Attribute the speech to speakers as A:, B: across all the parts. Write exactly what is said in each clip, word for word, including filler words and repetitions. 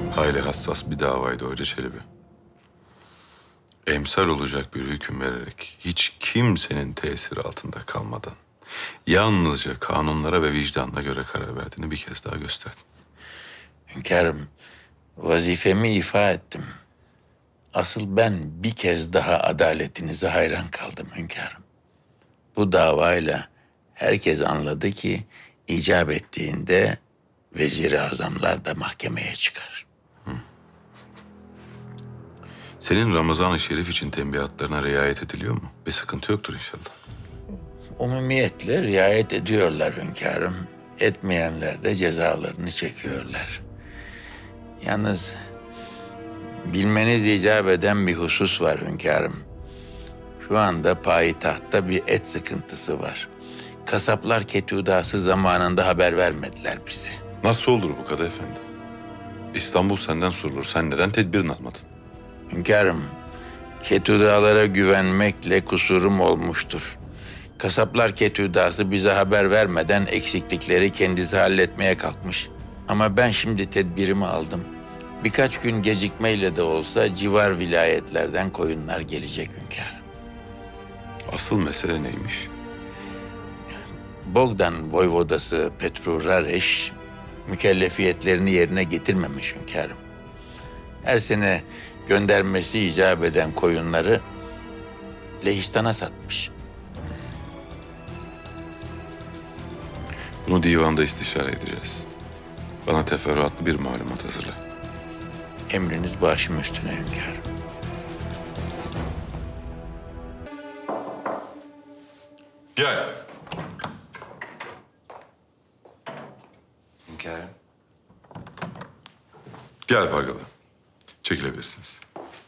A: Hayli hassas bir davaydı Hoca Çelebi. Emsal olacak bir hüküm vererek hiç kimsenin tesiri altında kalmadan yalnızca kanunlara ve vicdanına göre karar verdiğini bir kez daha gösterdin.
B: Hünkârım, vazifemi ifa ettim. Asıl ben bir kez daha adaletinize hayran kaldım hünkârım. Bu davayla herkes anladı ki icap ettiğinde vezir-i azamlar da mahkemeye çıkar.
A: Senin Ramazan-ı Şerif için tembihatlarına riayet ediliyor mu? Bir sıkıntı yoktur inşallah.
B: Umumiyetle riayet ediyorlar hünkârım. Etmeyenler de cezalarını çekiyorlar. Yalnız bilmeniz icap eden bir husus var hünkârım. Şu anda payitahtta bir et sıkıntısı var. Kasaplar ketudası zamanında haber vermediler bize.
A: Nasıl olur bu Kadı Efendi? İstanbul senden sorulur. Sen neden tedbirini almadın?
B: Hünkârım, ketudalara güvenmekle kusurum olmuştur. Kasaplar ketudası bize haber vermeden eksiklikleri kendisi halletmeye kalkmış. Ama ben şimdi tedbirimi aldım. Birkaç gün gecikmeyle de olsa civar vilayetlerden koyunlar gelecek hünkârım.
A: Asıl mesele neymiş?
B: Bogdan voyvodası Petru Rareş mükellefiyetlerini yerine getirmemiş hünkârım. Her sene göndermesi icap eden koyunları Lehistan'a satmış.
A: Bunu divanda istişare edeceğiz. Bana teferruatlı bir malumat hazırla.
B: Emriniz başım üstüne hünkârım.
A: Gel.
C: Hünkârım.
A: Gel Pargalı. Çekilebilirsiniz.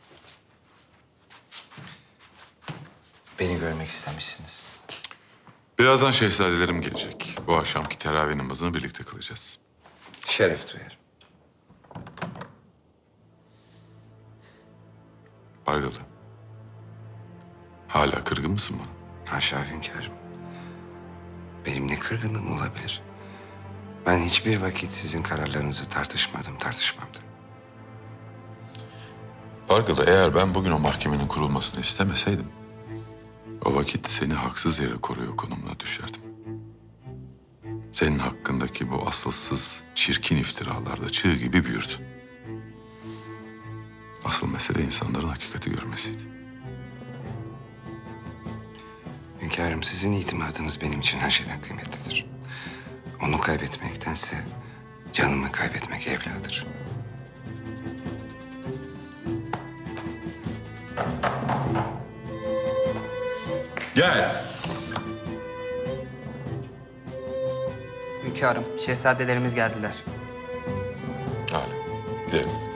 C: Beni görmek istemişsiniz.
A: Birazdan şehzadelerim gelecek. Bu akşamki teravih namazını birlikte kılacağız.
C: Şeref duyarım.
A: Pargalı. Hala kırgın mısın bana?
C: Haşa hünkârım. Benim ne kırgınlığım olabilir? Ben hiçbir vakit sizin kararlarınızı tartışmadım, tartışmam da.
A: Pargalı, eğer ben bugün o mahkemenin kurulmasını istemeseydim, o vakit seni haksız yere koruyor konumuna düşerdim. Senin hakkındaki bu asılsız, çirkin iftiralar da çığ gibi büyürdü. Asıl mesele insanların hakikati görmesiydi.
C: Hünkârım, sizin itimadınız benim için her şeyden kıymetlidir. Onu kaybetmektense canımı kaybetmek evladır.
A: Gel.
D: Hünkârım, şehzadelerimiz geldiler.
A: Hala. Gidelim.